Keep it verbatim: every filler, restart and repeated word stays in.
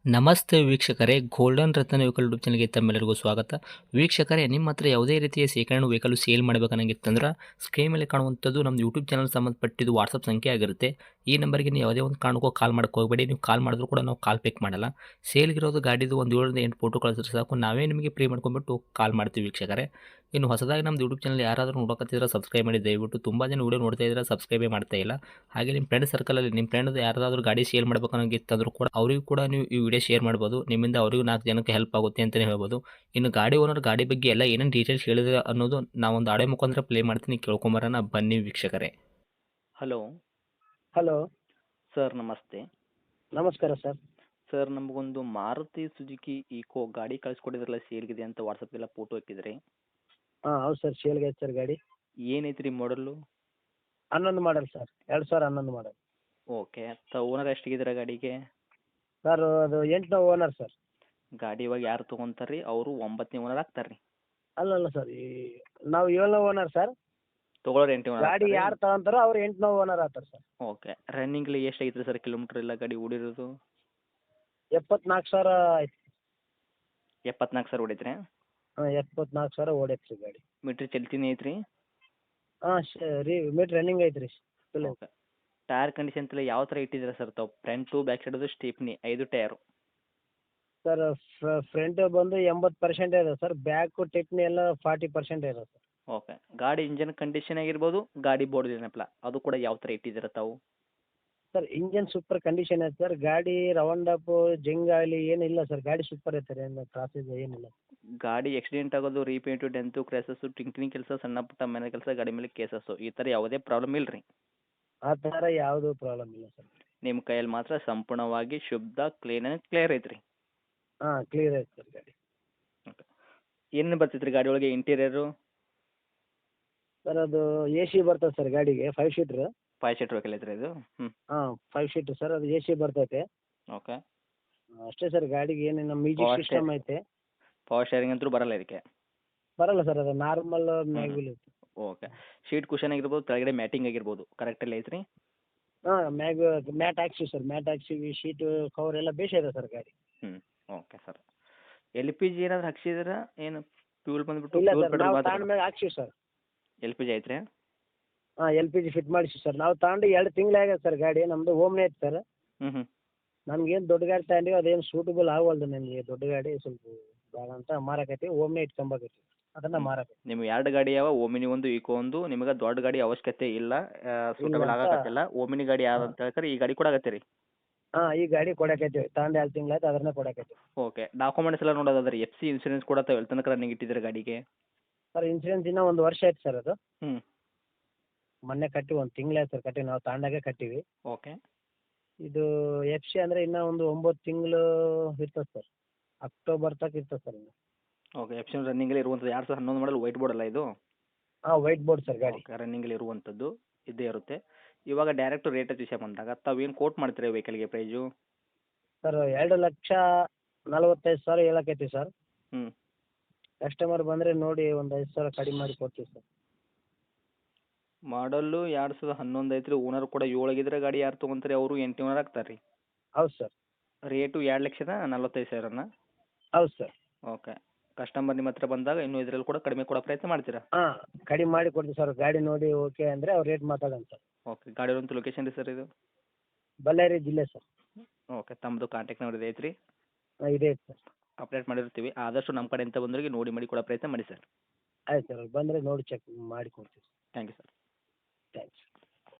ನಮಸ್ತೆ ವೀಕ್ಷಕರೇ, ಗೋಲ್ಡನ್ ರತ್ನ vehicle YouTube ಚಾನಲ್ಗೆ ತಮ್ಮೆಲ್ಲರಿಗೂ ಸ್ವಾಗತ. ವೀಕ್ಷಕರೇ, ನಿಮ್ಮ ಹತ್ರ ಯಾವುದೇ ರೀತಿಯ ಶೇಖರಣೆ ವೆಹಿಕಲ್ ಸೇಲ್ ಮಾಡಬೇಕನ್ನಂಗಿತ್ತಂದ್ರೆ ಸ್ಕ್ರೀನ್ ಮೇಲೆ ಕಾಣುವಂಥದ್ದು ನಮ್ಮ ಯೂಟ್ಯೂಬ್ ಚಾನಲ್ ಸಂಬಂಧಪಟ್ಟಿದ್ದು ವಾಟ್ಸಪ್ ಸಂಖ್ಯೆ ಆಗಿರುತ್ತೆ. ಈ ನಂಬರ್ಗೆ ನೀವು ಯಾವುದೇ ಒಂದು ಕಾರಣಕ್ಕೂ ಕಾಲ್ ಮಾಡಕ್ಕೆ ಹೋಗಬೇಡಿ. ನೀವು ಕಾಲ್ ಮಾಡಿದ್ರು ಕೂಡ ನಾವು ಕಾಲ್ ಪಿಕ್ ಮಾಡಲ್ಲ. ಸೇಲ್ಗಿರೋದು ಗಾಡಿದು ಒಂದು ಏಳರಿಂದ ಎಂಟು ಫೋಟೋ ಕಳಿಸಿದ್ರೆ ಸಾಕು, ನಾವೇ ನಿಮಗೆ ಪ್ರೀ ಮಾಡ್ಕೊಂಡ್ಬಿಟ್ಟು ಕಾಲ್ ಮಾಡ್ತೀವಿ ವೀಕ್ಷಕರೇ. ಇನ್ನು ಹೊಸದಾಗಿ ನಮ್ಮದು ಯೂಟ್ಯೂಬ್ ಚಾನಲ್ ಯಾರಾದರೂ ನೋಡೋಕತ್ತಿದ್ರೆ ಸಬ್ಸ್ಕ್ರೈಬ್ ಮಾಡಿ ದಯವಿಟ್ಟು. ತುಂಬ ಜನ ವೀಡಿಯೋ ನೋಡ್ತಾ ಇದ್ದಾರೆ, ಸಬ್ಸ್ಕ್ರೈಬೇ ಮಾಡ್ತಾ ಇಲ್ಲ. ಹಾಗೆ ನಿಮ್ಮ ಫ್ರೆಂಡ್ ಸರ್ಕಲಲ್ಲಿ ನಿಮ್ಮ ಫ್ರೆಂಡ್ ಯಾರಾದರೂ ಗಾಡಿ ಸೇಲ್ ಮಾಡಬೇಕನ್ನೋಂಗಿತ್ತಂದ್ರೂ ಕೂಡ ಅವರಿಗೂ ಕೂಡ ನೀವು ಈ ವಿಡಿಯೋ ಶೇರ್ ಮಾಡ್ಬೋದು. ನಿಮ್ಮಿಂದ ಅವರಿಗೂ ನಾಲ್ಕು ಜನಕ್ಕೆ ಹೆಲ್ಪ್ ಆಗುತ್ತೆ ಅಂತಲೇ ಹೇಳ್ಬೋದು. ಇನ್ನು ಗಾಡಿ ಓನರ್ ಗಾಡಿ ಬಗ್ಗೆ ಎಲ್ಲ ಏನೇನು ಡೀಟೇಲ್ಸ್ ಹೇಳಿದ್ರೆ ಅನ್ನೋದು ನಾವೊಂದು ಆಡಿಯೋ ಮುಖಾಂತರ ಪ್ಲೇ ಮಾಡ್ತೀನಿ, ಕೇಳ್ಕೊಂಬರೋಣ ಬನ್ನಿ ವೀಕ್ಷಕರೇ. ಹಲೋ ಹಲೋ ಸರ್, ನಮಸ್ತೆ. ನಮಸ್ಕಾರ ಸರ್. ಸರ್, ನಮಗೊಂದು ಮಾರುತಿ ಸುಜುಕಿ ಈಕೋ ಗಾಡಿ ಕಳಿಸ್ಕೊಟ್ಟಿದ್ರಲ್ಲ, ಸೇಲ್ಗಿದೆ ಅಂತ ವಾಟ್ಸಪ್ಗೆಲ್ಲ ಫೋಟೋ ಹಾಕಿದ್ರಿ. ಹಾಂ ಹೌದು ಸರ್, ಸೇಲ್ಗೆ ಐತೆ ಸರ್ ಗಾಡಿ. ಏನೈತೆ ರೀ ಮಾಡಲು? ಹನ್ನೊಂದು ಮಾಡಲ್ ಸರ್, ಎರಡು ಸಾವಿರ ಹನ್ನೊಂದು ಮಾಡಲ್. ಓಕೆ. ತ ಓನರ್ ಎಷ್ಟಿಗಿದ್ದೀರಾ ಗಾಡಿಗೆ? ಸರ್ ಅದು ಎಂಟನೇ ಓನರ್ ಸರ್. ಗಾಡಿ ಇವಾಗ ಯಾರು ತೊಗೊಂತಾರೆ ರೀ? ಅವರು ಒಂಬತ್ತನೇ ಓನರ್ ಆಗ್ತಾರೆ ರೀ? ಅಲ್ಲಲ್ಲ ಸರ್, ಈ ನಾವು ಏಳನೇ ಓನರ್ ಸರ್. ತೊಗೊಳೋರು ಎಂಟನೇ ಓನರ್ ಗಾಡಿ ಯಾರು ತಗೊಂತಾರೋ ಅವ್ರು ಎಂಟನೇ ಓನರ್ ಆಗ್ತಾರೆ ಸರ್. ಓಕೆ. ರನ್ನಿಂಗ್ಲಿ ಎಷ್ಟು ಐತ್ರಿ ಸರ್ ಕಿಲೋಮೀಟ್ರ್ ಎಲ್ಲ ಗಾಡಿ ಓಡಿರೋದು? ಎಪ್ಪತ್ನಾಲ್ಕು ಸಾವಿರ ಆಯ್ತು. ಎಪ್ಪತ್ನಾಲ್ಕು ಸಾವಿರ ಹೊಡೈತ್ರಿ? ಹಾಂ ಎಪ್ಪತ್ನಾಲ್ಕು ಸಾವಿರ ಓಡೈತೆ ರೀ ಗಾಡಿ. ಮೀಟ್ರ್ ಚಲ್ತಿನೇ ಐತ್ರಿ? ಹಾಂ ಶ ರೀ ಮೀಟ್ರ್ ರನ್ನಿಂಗ್ ಐತೆ ರೀ. ಓಕೆ. ಟೈರ್ ಕಂಡೀಷನ್ ಎಲ್ಲ ಯಾವ ಥರ ಇಟ್ಟಿದ್ದೀರಾ ಸರ್ ತಾವು? ಫ್ರಂಟು ಬ್ಯಾಕ್ ಸೈಡದು ಸ್ಟೀಪ್ನಿ ಐದು ಟೈರು? ಸರ್ ಫ್ರಂಟ್ ಬಂದು ಎಂಬತ್ತು ಪರ್ಸೆಂಟ್ ಇದೆ ಸರ್, ಬ್ಯಾಕು ಟಿಪ್ನಿ ಎಲ್ಲ ಫಾರ್ಟಿ ಪರ್ಸೆಂಟ್ ಇದೆ ಸರ್. ಓಕೆ. ಗಾಡಿ ಇಂಜನ್ ಕಂಡೀಷನ್ ಆಗಿರ್ಬೋದು, ಗಾಡಿ ಬೋರ್ಡ್ ಏನಪ್ಪಲ್ಲ ಅದು ಕೂಡ ಯಾವ ಥರ ಇಟ್ಟಿದ್ದೀರಾ ತಾವು? ಸರ್ ಇಂಜನ್ ಸೂಪರ್ ಕಂಡೀಷನ್ ಐತೆ ಸರ್. ಗಾಡಿ ರೌಂಡ್ ಅಪ್ ಜಿಂಗ್ ಆಗಲಿ ಏನಿಲ್ಲ ಸರ್, ಗಾಡಿ ಸೂಪರ್ ಐತೆ ರೀ, ಏನು ಕ್ರಾಸೇಜ್ ಏನಿಲ್ಲ. ಗಾಡಿ ಆಕ್ಸಿಡೆಂಟ್ ಆಗೋದು, ರೀಪೇಂಟು, ಡೆಂತು, ಕ್ರ್ಯಾಸಸ್ಸು, ಟಿಂಕ್ರಿಂಗ್ ಕೆಲಸ, ಸಣ್ಣ ಪುಟ್ಟ ಮನೆ ಕೆಲಸ, ಗಾಡಿ ಮೇಲೆ ಕೇಸಸ್ಸು ಈ ಥರ ಯಾವುದೇ ಪ್ರಾಬ್ಲಮ್ ಇಲ್ಲ ರೀ? ಆ ಥರ ಯಾವುದೂ ಪ್ರಾಬ್ಲಮ್ ಇಲ್ಲ ಸರ್. ನಿಮ್ಮ ಕೈಯಲ್ಲಿ ಮಾತ್ರ ಸಂಪೂರ್ಣವಾಗಿ ಶುದ್ಧ ಕ್ಲೀನ್ ಆ್ಯಂಡ್ ಕ್ಲಿಯರ್ ಐತ್ರಿ? ಹಾಂ ಕ್ಲಿಯರ್ ಐತೆ ಸರ್ ಗಾಡಿ. ಓಕೆ. ಏನೇನು ಬರ್ತೈತೆ ರೀ ಗಾಡಿ ಒಳಗೆ ಇಂಟೀರಿಯರು? ಸರ್ ಅದು ಎ ಸಿ ಬರ್ತದೆ ಸರ್ ಗಾಡಿಗೆ, five seater. Five seat vehicle ಐತ್ರಿ ಇದು? ಹ್ಞೂ. ಹಾಂ ಫೈವ್ ಸೀಟ್ರ್ ಸರ್, ಅದು ಎ ಸಿ ಬರ್ತೈತೆ. ಓಕೆ. ಅಷ್ಟೇ ಸರ್, ಗಾಡಿಗೆ ಏನೇನು ಮ್ಯೂಸಿಕ್ Power ಸಿಸ್ಟಮ್ ಐತೆ. ಪವರ್ ಶೇರಿಂಗ್ ಅಂತೂ ಬರಲ್ಲ ಇದಕ್ಕೆ? ಬರಲ್ಲ ಸರ್, ಅದು ನಾರ್ಮಲ್ ಮ್ಯಾಗ್ವಿಲ್ ಐತೆ. ಓಕೆ. ಶೀಟ್ ಕುಷನ್ ಆಗಿರ್ಬೋದು, ಕೆಳಗಡೆ ಮ್ಯಾಟಿಂಗ್ ಆಗಿರ್ಬೋದು, ಕರೆಕ್ಟಲ್ಲಿ ಐತ್ರಿ? ಹಾಂ ಮ್ಯಾಗ್ ಮ್ಯಾಟ್ ಹಾಕ್ಸಿವಿ ಸರ್, ಮ್ಯಾಟ್ ಹಾಕ್ಸಿವಿ, ಶೀಟು ಕವರ್ ಎಲ್ಲ ಬೇಷ್ ಇದೆ ಸರ್ ಗಾಡಿ. ಹ್ಞೂ. Okay sir. L P G ಏನಾದ್ರು ಹಾಕ್ಸಿದ್ದೀರಾ? ಏನು ಫ್ಯೂಲ್ ಬಂದುಬಿಟ್ಟು ಇಲ್ಲ ಫ್ಯೂಲ್ ಸರ್, ಪೆಟ್ರೋಲ್ ನಾವು ಮಾತ್ರ? ತಗೊಂಡ ಮ್ಯಾಗ ಹಾಕ್ಸಿವಿ ಸರ್. ಎಲ್ ಪಿ ಜಿ ಐತ್ರಿ? ಹಾಂ ಎಲ್ ಪಿ ಜಿ ಫಿಟ್ ಮಾಡಿಸಿ ಸರ್. ನಾವು ತಗೊಂಡು ಎರಡು ತಿಂಗಳು ಆಗ್ಯದ ಸರ್ ಗಾಡಿ. ನಮ್ಮದು ಓಮ್ನೇ ಐತೆ ಸರ್. ಹ್ಞೂ ಹ್ಞೂ. ನಮ್ಗೇನು ದೊಡ್ಡ ಗಾಡಿ ತಗೊಂಡಿವಿ, ಅದೇನು ಸೂಟಬಲ್ ಆಗವಲ್ದು ನನಗೆ. ದೊಡ್ಡ ಗಾಡಿ ಸ್ವಲ್ಪ ಬೇಡ ಅಂತ ಮಾರಕತ್ತೀವಿ, ಓಮ್ನೇ ಇಟ್ಕೊಂಬಕತ್ತೀವಿ, ಅದನ್ನು ಮಾರಕತ್ತೀವಿ. ನಿಮ್ಗೆ ಎರಡು ಗಾಡಿ ಯಾವ? ಓಮಿನಿ ಒಂದು, ಈಕೋ ಒಂದು. ನಿಮಗೆ ದೊಡ್ಡ ಗಾಡಿ ಅವಶ್ಯಕತೆ ಇಲ್ಲ, ಸೂಟಬಲ್ ಅಂತ. ಆಗಕತ್ತಿಲ್ಲ. ಓಮಿನಿ ಗಾಡಿ ಯಾವ್ದು ಅಂತ ಹೇಳ್ತಾರೆ, ಈ ಗಾಡಿ ಕೊಡಾಕತ್ತೀರಿ ರೀ? ಹಾಂ ಈ ಗಾಡಿ ಕೊಡಕತ್ತೀವಿ, ತಗೊಂಡು ಎರಡು ತಿಂಗಳು ಆಯ್ತು, ಅದನ್ನೇ ಕೊಡಕತ್ತೀವಿ. ಓಕೆ. ಡಾಕ್ಯುಮೆಂಟ್ಸ್ ಎಲ್ಲ ನೋಡೋದಾದ್ರೆ ಎಫ್ ಸಿ ಇನ್ಸೂರೆನ್ಸ್ ಕೂಡ ತಾವು ಎಲ್ಲಿ ತನಕ ರನ್ನಿಂಗ್ ಇಟ್ಟಿದ್ದೀರಾ ಗಾಡಿಗೆ? ಸರ್ ಇನ್ಸೂರೆನ್ಸ್ ಇನ್ನೂ ಒಂದು ವರ್ಷ ಆಯ್ತು ಸರ್. ಅದು ಹ್ಞೂ. ಮೊನ್ನೆ ಕಟ್ಟಿ ಒಂದು ತಿಂಗಳು ಆಯ್ತು ಸರ್ ಕಟ್ಟಿ, ನಾವು ತಗೊಂಡಾಗೆ ಕಟ್ಟಿವಿ. ಓಕೆ. ಇದು ಎಫ್ ಸಿ ಅಂದರೆ ಇನ್ನೂ ಒಂದು ಒಂಬತ್ತು ತಿಂಗಳು ಇರ್ತದೆ ಸರ್, ಅಕ್ಟೋಬರ್ ತನಕ ಇರ್ತದೆ ಸರ್ ಇನ್ನು. ಓಕೆ. ಎಫ್ ಸಿ ರನ್ನಿಂಗಲ್ಲಿ ಇರುವಂಥದ್ದು ಎರಡು ಸಾವಿರದ ಹನ್ನೊಂದು ಮಾಡಲ್ ವೈಟ್ ಬೋರ್ಡ್ ಅಲ್ಲ ಇದು? ಹಾಂ ವೈಟ್ ಬೋರ್ಡ್ ಸರ್ ಗಾಡಿ. ಓಕೆ. ರನ್ನಿಂಗಲ್ಲಿ ಇರುವಂಥದ್ದು ಇದ್ದೇ ಇರುತ್ತೆ. ಇವಾಗ ಡೈರೆಕ್ಟ್ ರೇಟ್ ವಿಷಯ ಬಂದಾಗ ತಾವು ಏನು ಕೋಟ್ ಮಾಡ್ತೀರಾ ವೆಹಿಕಲ್ಗೆ ಪ್ರೈಸು? ಸರ್ ಎರಡು ಲಕ್ಷ ನಲವತ್ತೈದು ಸಾವಿರ ಹೇಳಕತ್ತೀವಿ ಸರ್. ಹ್ಞೂ. ಕಸ್ಟಮರ್ ಬಂದರೆ ನೋಡಿ ಒಂದು ಐದು ಸಾವಿರ ಕಡಿಮೆ ಮಾಡಿ ಕೊಡ್ತೀವಿ ಸರ್. ಮಾಡಲ್ಲು ಎರಡು ಸಾವಿರದ ಹನ್ನೊಂದು ಐತ್ರಿ. ಓನರ್ ಕೂಡ ಏಳಾಗಿದ್ರೆ ಗಾಡಿ ಯಾರು ತೊಗೊಂತಾರೆ ಅವರು ಎಂಟು ಓನರ್ ಆಗ್ತಾರೆ ರೀ? ಹೌದು ಸರ್. ರೇಟು ಎರಡು ಲಕ್ಷದ ನಲ್ವತ್ತೈದು ಸಾವಿರನ? ಹೌದು ಸರ್. ಓಕೆ. ಕಸ್ಟಮರ್ ನಿಮ್ಮ ಹತ್ರ ಬಂದಾಗ ಇನ್ನೂ ಇದರಲ್ಲಿ ಕೂಡ ಕಡಿಮೆ ಕೊಡೋ ಪ್ರಯತ್ನ ಮಾಡ್ತೀರಾ? ಹಾಂ ಕಡಿಮೆ ಮಾಡಿ ಕೊಡ್ತೀವಿ ಸರ್. ಗಾಡಿ ನೋಡಿ ಓಕೆ ಅಂದರೆ ಅವ್ರು ರೇಟ್ ಮಾತಾಡೋಣ ಸರ್. ಓಕೆ. ಗಾಡಿ ಇರುವಂಥ ಲೊಕೇಶನ್ ರೀ ಸರ್ ಇದು? ಬಳ್ಳಾರಿ ಜಿಲ್ಲೆ ಸರ್. ಓಕೆ. ತಮ್ಮದು ಕಾಂಟ್ಯಾಕ್ಟ್ ನಂಬರ್ ಇದೆ ಐತ್ರಿ? ಹಾಂ ಇದೆ ಸರ್. ಅಪ್ಡೇಟ್ ಮಾಡಿರ್ತೀವಿ. ಆದಷ್ಟು ನಮ್ಮ ಕಡೆಯಿಂದ ಬಂದವರಿಗೆ ನೋಡಿ ಮಾಡಿ ಕೊಡೋ ಪ್ರಯತ್ನ ಮಾಡಿ ಸರ್. ಆಯ್ತು ಸರ್, ಬಂದರೆ ನೋಡಿ ಚೆಕ್ ಮಾಡಿ ಕೊಡ್ತೀವಿ. Thank you sir. ಥ್ಯಾಂಕ್ಸ್.